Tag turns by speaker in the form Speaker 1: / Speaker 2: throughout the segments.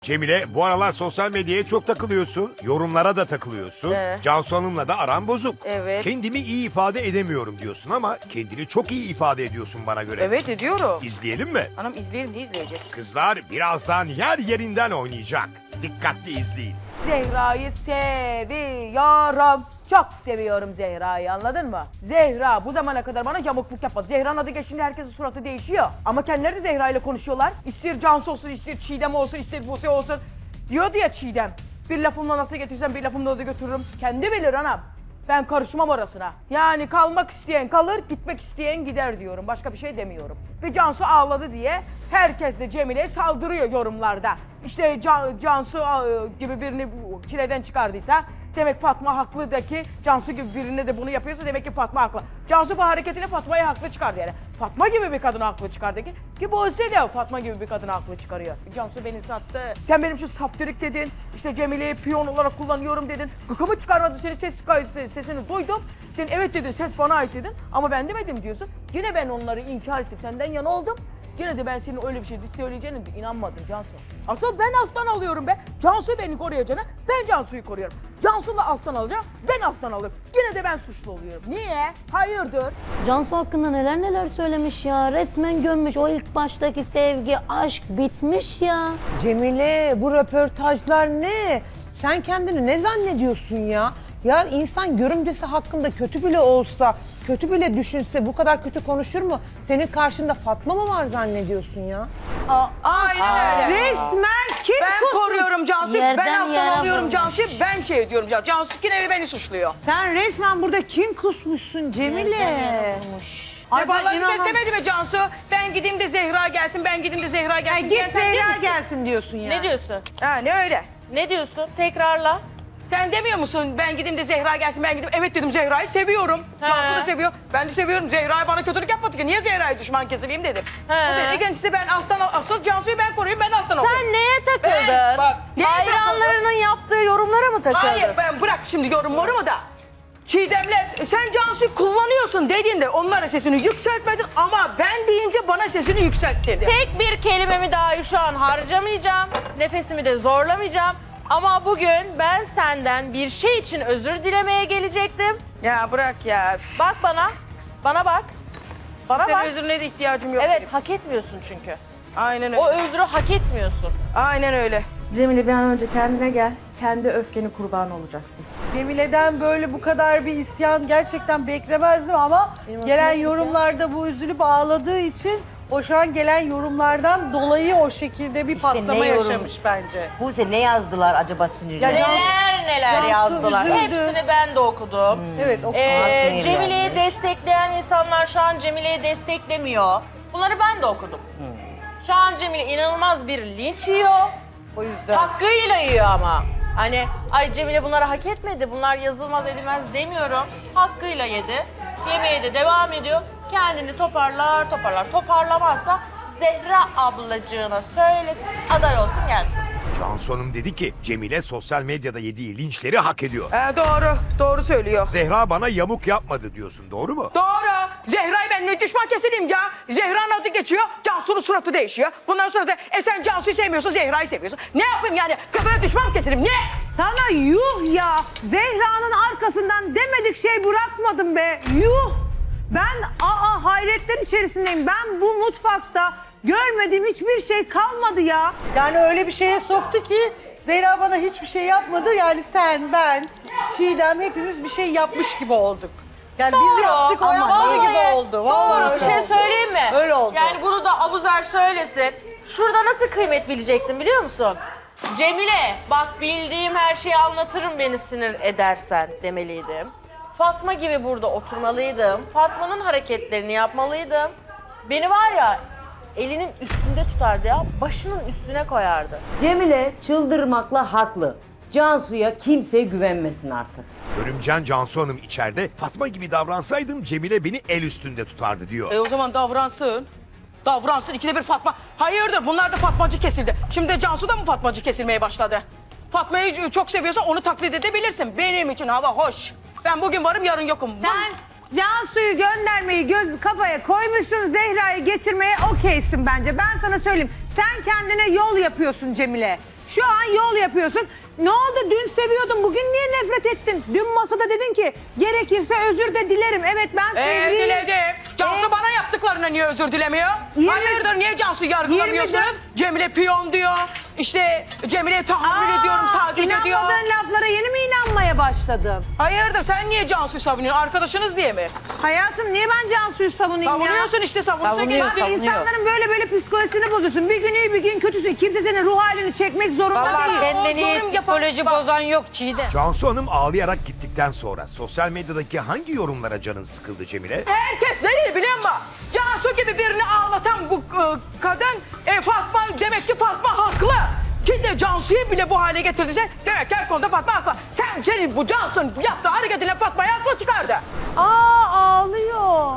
Speaker 1: Cemile, bu aralar sosyal medyaya çok takılıyorsun. Yorumlara da takılıyorsun. Cansu Hanım'la da aran bozuk.
Speaker 2: Evet.
Speaker 1: Kendimi iyi ifade edemiyorum diyorsun ama kendini çok iyi ifade ediyorsun bana göre.
Speaker 2: Evet ediyorum.
Speaker 1: İzleyelim mi?
Speaker 2: Anam izleyelim, ne izleyeceğiz?
Speaker 1: Kızlar birazdan yer yerinden oynayacak. Dikkatli izleyin.
Speaker 2: Zehra'yı seviyorum. Çok seviyorum Zehra'yı, anladın mı? Zehra bu zamana kadar bana yamukluk yapmadı. Zehra'nın adı geçince herkesin suratı değişiyor. Ama kendileri de Zehra ile konuşuyorlar. İster Cansu olsun, ister Çiğdem olsun, ister Buse olsun. Diyordu ya Çiğdem. Bir lafımla nasıl getirsem bir lafımla da götürürüm. Kendi bilir anam. Ben karışmam orasına. Yani kalmak isteyen kalır, gitmek isteyen gider diyorum. Başka bir şey demiyorum. Ve Cansu ağladı diye herkes de Cemile'ye saldırıyor yorumlarda. İşte Cansu gibi birini çileden çıkardıysa demek Fatma haklı da ki Cansu gibi birine de bunu yapıyorsa demek ki Fatma haklı. Cansu bu hareketine Fatma'yı haklı çıkardı yani. Fatma gibi bir kadını haklı çıkardı ki Buse de Fatma gibi bir kadını haklı çıkarıyor. Cansu beni sattı. Sen benim için saftirik dedin. İşte Cemile'yi piyon olarak kullanıyorum dedin. Gıkımı çıkarmadın, senin sesini duydum. Dedin evet dedin, ses bana ait dedin. Ama ben demedim diyorsun. Yine ben onları inkar ettim, senden yana oldum. Yine de ben senin öyle bir şey söyleyeceğine inanmadım Cansu. Asıl ben alttan alıyorum be. Cansu beni koruyacağına ben Cansu'yu koruyorum. Cansu da alttan alacağım, ben alttan alıyorum. Yine de ben suçlu oluyorum. Niye? Hayırdır?
Speaker 3: Cansu hakkında neler neler söylemiş ya. Resmen gömmüş. O ilk baştaki sevgi, aşk bitmiş ya.
Speaker 4: Cemile, bu röportajlar ne? Sen kendini ne zannediyorsun ya? Ya insan görümcesi hakkında kötü bile olsa, kötü bile düşünse bu kadar kötü konuşur mu? Senin karşında Fatma mı var zannediyorsun ya?
Speaker 2: Aynen öyle.
Speaker 4: Resmen kim
Speaker 2: Ben koruyorum Cansu'yu, ben
Speaker 3: Yerden
Speaker 2: alttan
Speaker 3: yere
Speaker 2: alıyorum
Speaker 3: vurmuş.
Speaker 2: Cansu'yu, ben şey diyorum Cansu. Cansu yine beni suçluyor.
Speaker 4: Sen resmen burada kim kusmuşsun Cemile? Ay, ben
Speaker 2: Defalarca kez
Speaker 4: inanamam.
Speaker 2: demedi mi Cansu? Ben gideyim de Zehra gelsin, ben gideyim de Zehra gelsin.
Speaker 4: Git
Speaker 2: diyen sen değil
Speaker 4: Zehra
Speaker 2: misin?
Speaker 4: gelsin diyorsun ya.
Speaker 5: Ne diyorsun?
Speaker 2: Ha ne öyle?
Speaker 5: Ne diyorsun? Tekrarla.
Speaker 2: Sen demiyor musun ben gideyim de Zehra gelsin, ben gideyim. Evet dedim, Zehra'yı seviyorum. Cansu da seviyor. Ben de seviyorum. Zehra'ya bana kötülük yapmadı ki. Niye Zehra'ya düşman kesileyim dedim.
Speaker 5: He.
Speaker 2: O dedi ikincisi ben alttan asıl Cansu'yu ben koruyayım, ben alttan alıyorum.
Speaker 5: Sen neye takıldın?
Speaker 2: Ben- bak, neye
Speaker 5: Hayranlarının yaptığı yorumlara mı takıldın?
Speaker 2: Hayır ben bırak şimdi yorumlarımı da. Çiğdem'le sen Cansu'yu kullanıyorsun dediğinde onlara sesini yükseltmedin ama ben deyince bana sesini yükselttirdin.
Speaker 5: Tek bir kelimemi dahi şu an harcamayacağım. Nefesimi de zorlamayacağım. Ama bugün ben senden bir şey için özür dilemeye gelecektim.
Speaker 2: Ya bırak ya.
Speaker 5: Bak bana. Bana bak. Bana
Speaker 2: Senin
Speaker 5: bak.
Speaker 2: özrüne de ihtiyacım yok.
Speaker 5: Evet,
Speaker 2: benim.
Speaker 5: hak etmiyorsun çünkü.
Speaker 2: Aynen öyle.
Speaker 5: O özrü hak etmiyorsun.
Speaker 2: Aynen öyle.
Speaker 6: Cemile bir an önce kendine gel. Kendi öfkeni kurbanı olacaksın.
Speaker 7: Cemile'den böyle bu kadar bir isyan gerçekten beklemezdim ama gelen yorumlarda bu üzülüp ağladığı için o şu an gelen yorumlardan dolayı o şekilde bir patlama
Speaker 8: ne yorum?
Speaker 7: yaşamış bence.
Speaker 8: Buse ne yazdılar acaba sinirli?
Speaker 7: Ya
Speaker 5: Neler
Speaker 7: Cansu
Speaker 5: yazdılar.
Speaker 7: üzüldü.
Speaker 5: Hepsini ben de okudum.
Speaker 7: Evet o
Speaker 8: sinirlendi.
Speaker 5: Cemile'yi destekleyen insanlar şu an Cemile'yi desteklemiyor. Bunları ben de okudum. Şu an Cemile inanılmaz bir linç yiyor.
Speaker 7: o yüzden.
Speaker 5: Hakkıyla yiyor ama. Hani ay Cemile bunları hak etmedi, bunlar yazılmaz edilmez demiyorum. Hakkıyla yedi. Yemeğe de devam ediyor. Kendini toparlar. Toparlamazsa Zehra ablacığına söylesin, aday olsun gelsin.
Speaker 1: Cansu Hanım dedi ki Cemile sosyal medyada yediği linçleri hak ediyor.
Speaker 2: Doğru söylüyor.
Speaker 1: Zehra bana yamuk yapmadı diyorsun, doğru mu?
Speaker 2: Doğru. Zehra'yı ben ne düşman kesileyim ya. Zehra'nın adı geçiyor, Cansu'nun suratı değişiyor. Bundan sonra da sen Cansu'yu sevmiyorsun, Zehra'yı seviyorsun. Ne yapayım yani? Kadına düşman kesileyim, ne?
Speaker 4: Sana yuh ya! Zehra'nın arkasından demedik şey bırakmadım be! Yuh! Ben hayretler içerisindeyim. Ben bu mutfakta görmediğim hiçbir şey kalmadı ya.
Speaker 7: Yani öyle bir şeye soktu ki Zehra bana hiçbir şey yapmadı. Yani sen, ben, Çiğdem hepimiz bir şey yapmış gibi olduk. Yani biz yaptık, o yapmadı gibi oldu.
Speaker 5: Doğru.
Speaker 7: Vallahi
Speaker 5: Bir şey söyleyeyim mi?
Speaker 7: Öyle oldu.
Speaker 5: Yani bunu da Abuzer söylesin. Şurada nasıl kıymet bilecektim biliyor musun? Cemile, bak bildiğim her şeyi anlatırım beni sinir edersen demeliydim. Fatma gibi burada oturmalıydım. Fatma'nın hareketlerini yapmalıydım. Beni var ya elinin üstünde tutardı ya, başının üstüne koyardı.
Speaker 8: Cemile çıldırmakla haklı. Cansu'ya kimse güvenmesin artık.
Speaker 1: Görümcen Cansu Hanım içeride Fatma gibi davransaydım Cemile beni el üstünde tutardı diyor.
Speaker 2: O zaman davransın. Davransın, ikide bir Fatma. Hayırdır, bunlar da Fatmacı kesildi. Şimdi Cansu da mı Fatmacı kesilmeye başladı?
Speaker 9: Fatma'yı çok seviyorsan onu taklit edebilirsin. Benim için hava hoş. Ben bugün varım, yarın yokum.
Speaker 4: Sen Cansu'yu göndermeyi kafaya koymuşsun, Zehra'yı getirmeye okeysin bence. Ben sana söyleyeyim. Sen kendine yol yapıyorsun Cemile. Şu an yol yapıyorsun. Ne oldu? Dün seviyordun. Bugün niye nefret ettin? Dün masada dedin ki gerekirse özür de dilerim. Evet ben fevriyim.
Speaker 9: Diledim. Cansu bana yaptıklarına niye özür dilemiyor?
Speaker 4: 20
Speaker 9: Hayırdır niye Cansu yargılamıyorsunuz?
Speaker 4: 24
Speaker 9: Cemile piyon diyor. İşte Cemile'ye tahammül ediyorum sadece diyor.
Speaker 4: İnanmadığın laflara yeni mi inanmaya başladın?
Speaker 9: Hayırdır sen niye Cansu'yu savunuyorsun? Arkadaşınız diye mi?
Speaker 4: Hayatım niye ben Cansu'yu savunayım ya?
Speaker 9: Savunuyorsun işte savunsa
Speaker 8: Savunuyor,
Speaker 9: geçti.
Speaker 8: savunuyor.
Speaker 4: İnsanların böyle psikolojisini bozuyorsun. Bir gün iyi bir gün kötüsün. Kimse senin ruh halini çekmek zorunda
Speaker 8: Vallahi
Speaker 4: değil.
Speaker 8: kendini
Speaker 9: yorum yapan-
Speaker 8: psikoloji bozan yok Çiğdem.
Speaker 1: Cansu Hanım ağlayarak gittikten sonra sosyal medyadaki hangi yorumlara canın sıkıldı Cemile?
Speaker 9: Herkes ne dedi biliyor musun? Cansu gibi birini ağlatan bu kadın Fatma demek ki Fatma haklı. Ki de Cansu'yu bile bu hale getirdiyse demek ki her konuda Fatma haklı. Senin bu Cansu'nun yaptığı hareketinle Fatma'yı haklı çıkardı.
Speaker 4: Ağlıyor.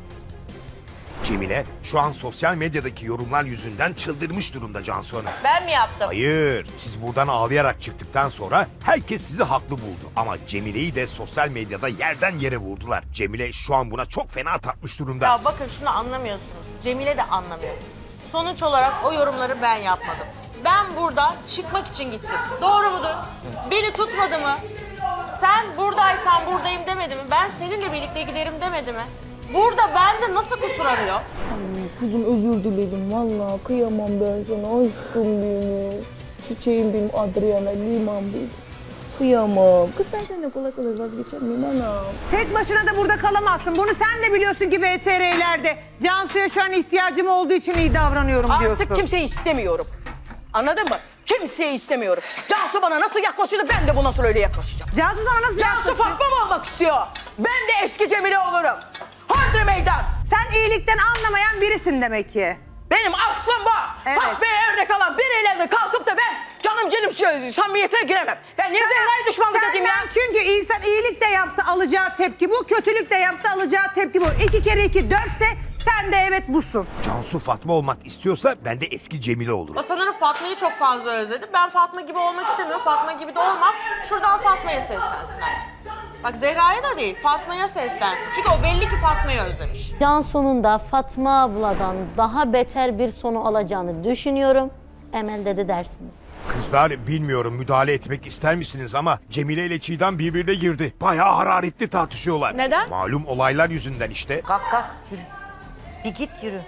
Speaker 1: Cemile şu an sosyal medyadaki yorumlar yüzünden çıldırmış durumda Cansu Hanım.
Speaker 5: Ben mi yaptım?
Speaker 1: Hayır, siz buradan ağlayarak çıktıktan sonra herkes sizi haklı buldu. Ama Cemile'yi de sosyal medyada yerden yere vurdular. Cemile şu an buna çok fena takmış durumda.
Speaker 5: Ya bakın şunu anlamıyorsunuz. Cemile de anlamıyor. Sonuç olarak o yorumları ben yapmadım. Ben burada çıkmak için gittim. Doğru mudur? Beni tutmadı mı? Sen buradaysan buradayım demedi mi? Ben seninle birlikte giderim demedi mi? Burada bende nasıl kusur arıyor?
Speaker 2: Kızım özür dilerim. Vallahi kıyamam ben sana. Aşkım benim. Çiçeğim benim Adriana. Liman benim. Kıyamam. Kız ben seninle kolay kolay vazgeçer miyim anam?
Speaker 4: Tek başına da burada kalamazsın. Bunu sen de biliyorsun ki VTR'lerde. Cansu'ya şu an ihtiyacım olduğu için iyi davranıyorum diyorsun.
Speaker 9: Artık kimseyi istemiyorum. Anladın mı? Kimseyi istemiyorum. Cansu bana nasıl yaklaşırdı ben de bu nasıl öyle yaklaşacağım.
Speaker 4: Cansu sana nasıl
Speaker 9: Cansu
Speaker 4: yaklaşıyor?
Speaker 9: Fatma mı olmak istiyor? Ben de eski Cemile olurum. Hodri meydan.
Speaker 4: Sen iyilikten anlamayan birisin demek ki.
Speaker 9: Benim aslım bu.
Speaker 4: Evet.
Speaker 9: Fatma'ya örnek alan biriyle de kalkıp da ben canım samimiyetine giremem. Ben niye Zehra'yı düşmanlık edeyim ya?
Speaker 4: Senden çünkü insan iyilik de yapsa alacağı tepki bu, kötülük de yapsa alacağı tepki bu. 2 kere 2 4'se sen de evet busun.
Speaker 1: Cansu Fatma olmak istiyorsa ben de eski Cemile olurum.
Speaker 5: O sanırım Fatma'yı çok fazla özledi. Ben Fatma gibi olmak istemiyorum. Fatma gibi de olmam. Şuradan Fatma'ya seslensin ama. Bak Zehra'ya da değil, Fatma'ya seslensin. Çünkü o belli ki Fatma'yı özlemiş.
Speaker 3: Cansu'nun da Fatma abladan daha beter bir sonu alacağını düşünüyorum. Emel dedi dersiniz.
Speaker 1: Kızlar bilmiyorum müdahale etmek ister misiniz ama Cemile ile Çiğdem birbirine girdi. Bayağı hararetli tartışıyorlar.
Speaker 5: Neden?
Speaker 1: Malum olaylar yüzünden işte.
Speaker 8: Kalk yürü. Bir git yürü.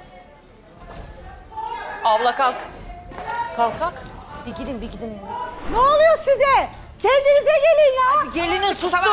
Speaker 5: Abla kalk. Kalk.
Speaker 8: Bir gidin.
Speaker 4: Ne oluyor size? Kendinize gelin ya.
Speaker 8: Gelinin sus.
Speaker 4: Ne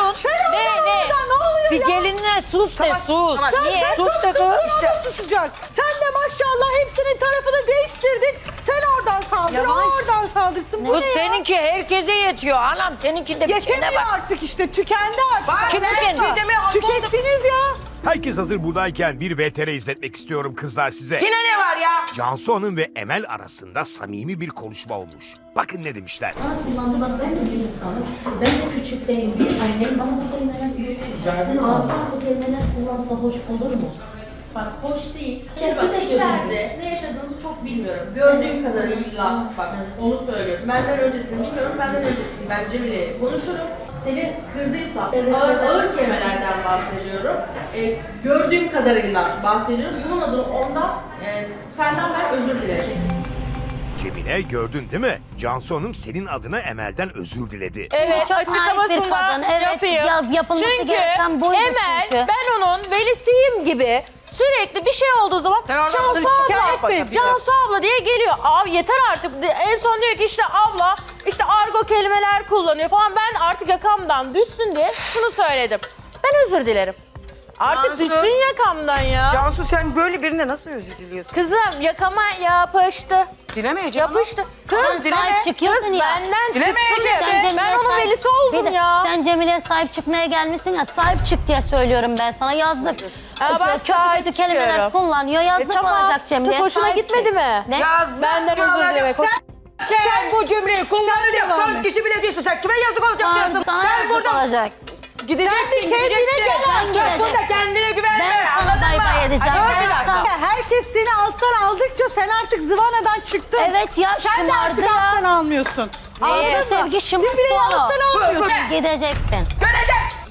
Speaker 4: oluyor
Speaker 8: Bir
Speaker 4: ya?
Speaker 8: gelinine sus de sus.
Speaker 5: Niye?
Speaker 8: Sus de kız.
Speaker 4: İşte susacak. Sen de maşallah hepsinin tarafını değiştirdin. Sen oradan saldır, o oradan saldırsın. Bu
Speaker 8: Kız
Speaker 4: ne ya?
Speaker 8: seninki herkese yetiyor. Anam seninkinde bir şeyine
Speaker 4: Yetemiyor
Speaker 8: bak.
Speaker 4: artık işte, tükendi artık.
Speaker 9: Bak,
Speaker 8: Kim
Speaker 9: ben
Speaker 8: tükendi?
Speaker 9: Çiğdem'i
Speaker 4: Tükettiniz ya.
Speaker 1: Herkes hazır buradayken bir VTR izletmek istiyorum kızlar size.
Speaker 9: Yine ne var ya?
Speaker 1: Cansu Hanım ve Emel arasında samimi bir konuşma olmuş. Bakın ne demişler.
Speaker 10: Kullandı bak ben de bir insanım. Ben de küçükten izleyip annem bana bu kelimeler büyütmüş. Ağzından bu kelimeler kullansa hoş olur mu?
Speaker 6: Bak hoş değil. Şimdi bak içeride ne yaşadığınızı çok bilmiyorum. Gördüğüm kadarıyla bak onu söylüyorum. Benden öncesini bilmiyorum. Benden öncesini ben Cemile'yle konuşurum. Seni kırdıysam ağır kelimelerden bahsediyorum. Gördüğüm kadarıyla bahsediyorum. Bunun adına ondan senden ben özür dilerim.
Speaker 1: Cemile gördün değil mi? Cansu Hanım senin adına Emel'den özür diledi.
Speaker 5: Evet,
Speaker 3: Çok naif bir
Speaker 5: açıklamasında
Speaker 3: kadın. Evet,
Speaker 5: yapayım.
Speaker 3: yapılması
Speaker 5: Çünkü
Speaker 3: gereken buydu
Speaker 5: Emel,
Speaker 3: çünkü.
Speaker 5: ben onun velisiyim gibi sürekli bir şey olduğu zaman
Speaker 9: Sen oradan
Speaker 5: Cansu
Speaker 9: şikayet
Speaker 5: abla,
Speaker 9: yapacaksın,
Speaker 5: Cansu abla diye geliyor. Abi yeter artık. En son diyor ki işte abla, işte argo kelimeler kullanıyor falan. Ben artık yakamdan düşsün diye şunu söyledim. Ben özür dilerim. Artık
Speaker 9: Cansu.
Speaker 5: düşsün yakamdan ya.
Speaker 9: Cansu sen böyle birine nasıl özür diliyorsun?
Speaker 5: Kızım yakama yapıştı.
Speaker 9: Dilemeyeceğim.
Speaker 5: Yapıştı.
Speaker 3: Sen
Speaker 5: Kız
Speaker 3: dileme. sahip çıkıyorsun
Speaker 5: Kız
Speaker 3: ya.
Speaker 5: benden
Speaker 9: Dilemeyeceğim.
Speaker 5: çıksın diye.
Speaker 3: Sen
Speaker 5: Ben
Speaker 3: Cemile'ye
Speaker 5: onun
Speaker 3: sahip-
Speaker 5: velisi
Speaker 3: Bir
Speaker 5: oldum
Speaker 3: de
Speaker 5: ya.
Speaker 3: Sen Cemile'ye sahip çıkmaya gelmişsin ya, sahip çık diye söylüyorum ben sana, yazık.
Speaker 5: Ha, ben
Speaker 3: kötü
Speaker 5: sahip
Speaker 3: kötü kelimeler
Speaker 5: çıkıyorum.
Speaker 3: kullanıyor, yazık
Speaker 5: Tamam.
Speaker 3: olacak Cemile'ye.
Speaker 5: Kız hoşuna
Speaker 3: sahip
Speaker 5: gitmedi
Speaker 3: çık.
Speaker 5: mi?
Speaker 3: Ne?
Speaker 9: Yazık
Speaker 5: Benden özür
Speaker 9: olacak.
Speaker 5: dilemek.
Speaker 9: Sen bu cümleyi kullanır ya,
Speaker 4: devam
Speaker 9: son
Speaker 4: et.
Speaker 9: kişi bile değilsin. Sen kime yazık olacak
Speaker 3: Tamam,
Speaker 9: diyorsun?
Speaker 3: sana
Speaker 9: Sen
Speaker 3: yazık
Speaker 9: burada
Speaker 3: olacak.
Speaker 9: gideceksin,
Speaker 5: kendine
Speaker 9: gideceksin.
Speaker 5: gel
Speaker 3: Sen
Speaker 9: Sen burada
Speaker 3: gideceksin.
Speaker 9: kendine güvenme.
Speaker 3: Ben sana
Speaker 9: anladın
Speaker 3: bay
Speaker 9: mı?
Speaker 3: bay edeceğim.
Speaker 5: Hadi
Speaker 3: Ben
Speaker 5: bir dakika.
Speaker 3: sana-
Speaker 4: Herkes seni alttan aldıkça sen artık zıvanadan çıktın.
Speaker 3: Evet ya,
Speaker 4: Sen de
Speaker 3: şımardı
Speaker 4: artık alttan
Speaker 3: ya.
Speaker 4: almıyorsun.
Speaker 3: Sevgi şımarttı
Speaker 4: Cemile'yi
Speaker 3: onu.
Speaker 4: alttan almıyorsun.
Speaker 3: Gideceksin.
Speaker 9: Görecek.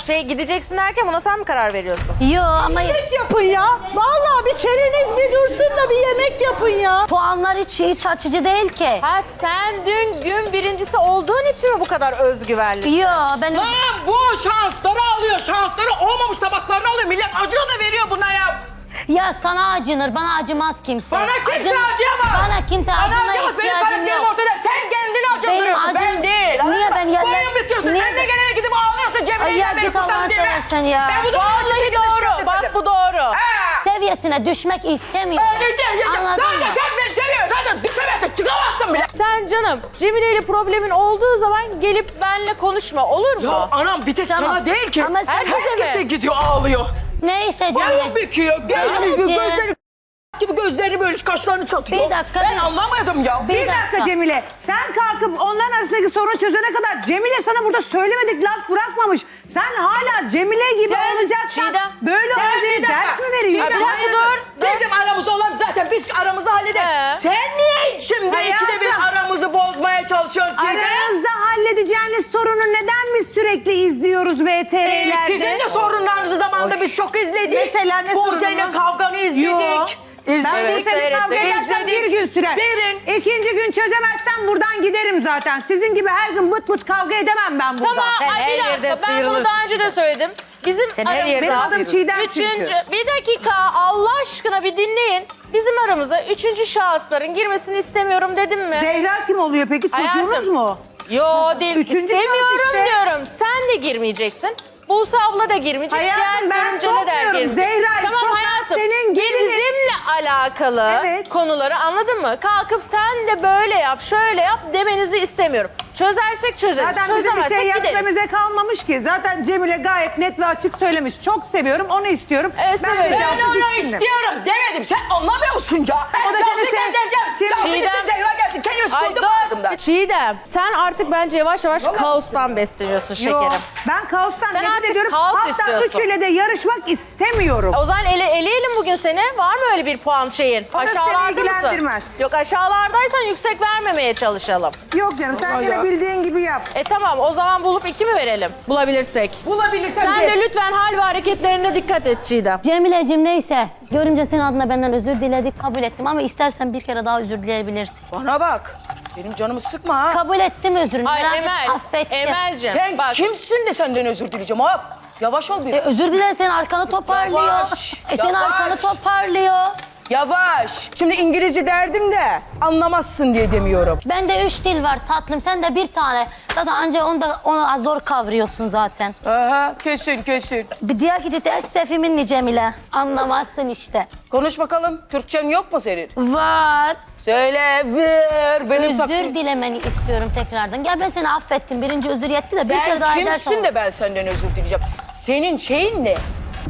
Speaker 5: Gideceksin derken buna sen mi karar veriyorsun?
Speaker 3: Yo ama
Speaker 4: Yemek yapın ya. Vallahi bir çeneniz bir dursun da bir yemek yapın ya.
Speaker 3: puanlar hiç açıcı değil ki.
Speaker 5: Ha sen dün gün birincisi olduğun için mi bu kadar özgüvenli?
Speaker 3: Yo ben
Speaker 9: Lan bu şansları alıyor. Şansları olmamış tabaklarını alıyor. Millet acıyor da veriyor buna ya.
Speaker 3: ya sana acınır, bana acımaz kimse.
Speaker 9: Bana kimse acıyamaz.
Speaker 3: Bana kimse
Speaker 9: Bana
Speaker 3: acımaya
Speaker 9: acımaz. Benim
Speaker 3: ihtiyacım
Speaker 9: karakterim
Speaker 3: yok.
Speaker 9: ortada. Sen kendini acındırıyorsun.
Speaker 3: Benim acım-
Speaker 9: Ben değil.
Speaker 3: Niye ben yerler-
Speaker 9: Boyun büküyorsun.
Speaker 3: Niye
Speaker 9: Sen de
Speaker 3: ben-
Speaker 9: gelene gidip ağlıyorsun.
Speaker 3: Ay
Speaker 9: Cemile'yle
Speaker 3: ya
Speaker 9: beni
Speaker 3: git Allah'ını
Speaker 9: kurtar diye.
Speaker 3: seversen ya.
Speaker 9: Ben bu zamana kadar
Speaker 5: Vallahi
Speaker 9: gidip şey
Speaker 5: doğru. Bak bu doğru.
Speaker 3: Seviyesine düşmek istemiyorum. Anladın
Speaker 9: Zaten
Speaker 3: mı?
Speaker 9: sen beni seviyorsun. Zaten düşemezsin. Çıkamazsın bile.
Speaker 5: Sen canım Cemile ile problemin olduğu zaman gelip benle konuşma olur mu?
Speaker 9: Ya anam bir tek
Speaker 3: Tamam.
Speaker 9: sana değil ki.
Speaker 3: Ama sen-
Speaker 9: Herkese gidiyor ağlıyor.
Speaker 3: Neyse
Speaker 9: Boyun
Speaker 3: Cemile.
Speaker 9: büküyor.
Speaker 3: Anneciğim.
Speaker 9: Gözleri gibi gözlerini böyle kaşlarını çatıyor.
Speaker 3: Bir dakika,
Speaker 9: Ben
Speaker 3: bir-
Speaker 9: anlamadım ya.
Speaker 4: Bir dakika Cemile. Sen kalkıp onların arasındaki sorunu çözene kadar Cemile sana burada söylemedik laf bırakmamış. Sen hala Cemile gibi
Speaker 9: Sen,
Speaker 4: olacaksan
Speaker 5: Çiğdem,
Speaker 4: böyle
Speaker 9: sen
Speaker 4: olduğunu
Speaker 9: bir dakika.
Speaker 4: ders mi veriyorsun?
Speaker 5: Çiğdem,
Speaker 9: Hayır,
Speaker 5: dur.
Speaker 9: Bizim aramızda olan zaten biz aramızı hallederiz. Sen niye şimdi ikide bir
Speaker 4: Hayatım.
Speaker 9: aramızı bozmaya çalışıyorsun Çiğdem?
Speaker 4: Aranızda halledeceğiniz sorunu neden biz sürekli izliyoruz VTR'lerde?
Speaker 9: Sizin de sorunlarınızı zamanında biz çok izledik.
Speaker 4: Mesela ne
Speaker 9: Buse'yle
Speaker 4: sorunu?
Speaker 9: kavganı izledik.
Speaker 4: Yok. Ben
Speaker 9: İzledik.
Speaker 4: bu seni kavga edersem bir gün sürer.
Speaker 9: Verin.
Speaker 4: İkinci gün çözemezsem buradan giderim zaten. Sizin gibi her gün bıt bıt kavga edemem ben burada.
Speaker 5: Tamam,
Speaker 8: Sen
Speaker 5: ay
Speaker 8: her
Speaker 5: bir
Speaker 8: yerde
Speaker 5: dakika. Ben bunu
Speaker 8: sıyrılırsın.
Speaker 5: daha önce de söyledim. Bizim
Speaker 8: Sen her
Speaker 5: aramızda...
Speaker 8: yerde
Speaker 4: Benim adım Çiğdem çünkü.
Speaker 5: Üçüncü, bir dakika Allah aşkına bir dinleyin. Bizim aramıza üçüncü şahısların girmesini istemiyorum dedim mi?
Speaker 4: Zehra kim oluyor peki? Çocuğunuz
Speaker 5: Hayatım.
Speaker 4: mu?
Speaker 5: Yo değil.
Speaker 4: Üçüncü
Speaker 5: İstemiyorum
Speaker 4: şahıs işte.
Speaker 5: diyorum. Sen de girmeyeceksin. Buse abla da girmeyecek.
Speaker 4: Hayatım, ben
Speaker 5: görümceler de
Speaker 4: sokmuyorum.
Speaker 5: girmeyecek.
Speaker 4: Zehra,
Speaker 5: Tamam
Speaker 4: sokak
Speaker 5: hayatım.
Speaker 4: senin gelinin.
Speaker 5: Bizimle alakalı
Speaker 4: Evet.
Speaker 5: konuları anladın mı? Kalkıp sen de böyle yap, şöyle yap demenizi istemiyorum. Çözersek çözeriz.
Speaker 4: Zaten bizim bir
Speaker 5: Çözemezsek
Speaker 4: şey
Speaker 5: gideriz.
Speaker 4: yapmamıza kalmamış ki. Zaten Cemile gayet net ve açık söylemiş. Çok seviyorum, onu istiyorum.
Speaker 5: severim.
Speaker 9: Ben
Speaker 4: cevabı
Speaker 9: onu
Speaker 4: gitsin de.
Speaker 9: istiyorum demedim. Sen anlamıyor musun ya? Ben
Speaker 4: O da
Speaker 9: Cansu'yu
Speaker 4: seni sev-
Speaker 9: göndereceğim. Cansu
Speaker 5: Çiğdem-
Speaker 9: gitsin, Zehra gelsin. Kendimi
Speaker 5: Ay
Speaker 9: sıkıldım ağzımdan.
Speaker 5: dur. Çiğdem sen artık bence yavaş yavaş kaostan besleniyorsun şekerim.
Speaker 4: Yok, ben kaostan
Speaker 5: Sen
Speaker 4: nefret
Speaker 5: artık
Speaker 4: ediyorum.
Speaker 5: kaos
Speaker 4: Hatta
Speaker 5: istiyorsun.
Speaker 4: üçüyle de yarışmak istemiyorum.
Speaker 5: O zaman eleyelim bugün seni. Var mı öyle bir puan şeyin?
Speaker 4: O da seni
Speaker 5: Aşağılarda mısın?
Speaker 4: ilgilendirmez.
Speaker 5: Yok aşağılardaysan yüksek vermemeye çalışalım.
Speaker 4: Yok canım, sen yine bildiğin gibi yap.
Speaker 5: Tamam o zaman bulup 2 mi verelim? Bulabilirsek.
Speaker 9: Bulabilirsem
Speaker 5: Sen
Speaker 9: geç.
Speaker 5: de lütfen hal ve hareketlerine dikkat et Çiğdem.
Speaker 3: Cemile'cim neyse. Görümce senin adına benden özür diledik, kabul ettim ama istersen bir kere daha özür dileyebilirsin.
Speaker 9: Bana bak. Benim canımı sıkma ha.
Speaker 3: Kabul ettim özrünü.
Speaker 5: Ay
Speaker 3: merak etme,
Speaker 5: Emel,
Speaker 3: affettim.
Speaker 5: Emel'cim
Speaker 9: Sen
Speaker 5: bak.
Speaker 9: kimsin de senden özür dileyeceğim ha? Yavaş ol biraz.
Speaker 3: Özür dilersen arkanı toparlıyor.
Speaker 9: Yavaş,
Speaker 3: Senin
Speaker 9: yavaş.
Speaker 3: arkanı toparlıyor.
Speaker 9: Yavaş. Şimdi İngilizce derdim de anlamazsın diye demiyorum.
Speaker 3: Bende 3 dil var tatlım, sen de bir tane. Zaten anca onu zor kavruyorsun zaten.
Speaker 9: Aha kesin kesin.
Speaker 3: Bir diğer gidi teessüfi minni Cemile. Anlamazsın işte.
Speaker 9: Konuş bakalım. Türkçen yok mu senin?
Speaker 3: Var.
Speaker 9: Söyle ver. Benim
Speaker 3: Özür
Speaker 9: takım.
Speaker 3: dilemeni istiyorum tekrardan. Gel ben seni affettim. Birinci özür yetti de bir
Speaker 9: Sen
Speaker 3: kere daha edersen.
Speaker 9: kimsin de ben senden özür dileyeceğim? Senin şeyin ne?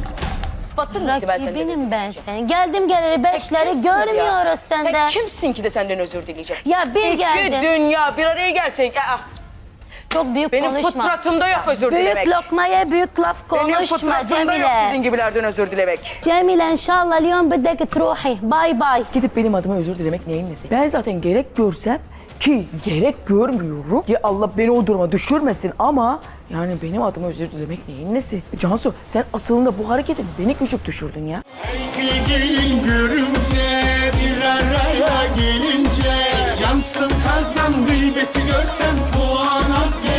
Speaker 9: Sıfatın neydi ben senden özür
Speaker 3: Rakibinim ben
Speaker 9: dileyeceğim?
Speaker 3: senin. Geldim geleli beşleri
Speaker 9: Kimsin ya?
Speaker 3: görmüyoruz sende.
Speaker 9: Sen kimsin ki de senden özür dileyeceğim?
Speaker 3: Ya bir
Speaker 9: İki
Speaker 3: geldin.
Speaker 9: dünya bir araya gelsek.
Speaker 3: Çok büyük
Speaker 9: Benim
Speaker 3: konuşma.
Speaker 9: fıtratımda yok özür
Speaker 3: Büyük
Speaker 9: dilemek.
Speaker 3: lokmaya büyük laf
Speaker 9: Benim
Speaker 3: konuşma
Speaker 9: fıtratımda yok
Speaker 3: Cemile.
Speaker 9: sizin gibilerden özür dilemek.
Speaker 3: Cemile inşallah اليوم بدك تروحي. Bay bay.
Speaker 9: Gidip benim adıma özür dilemek neyin nesi? Ben zaten gerek görsem ki gerek görmüyorum ki Allah beni o duruma düşürmesin ama yani benim adıma özür dilemek neyin nesi? Cansu sen aslında bu hareketin beni küçük düşürdün ya.
Speaker 11: Sevgilin görünce bir araya gelince yansın kazan gıybeti görsen puan az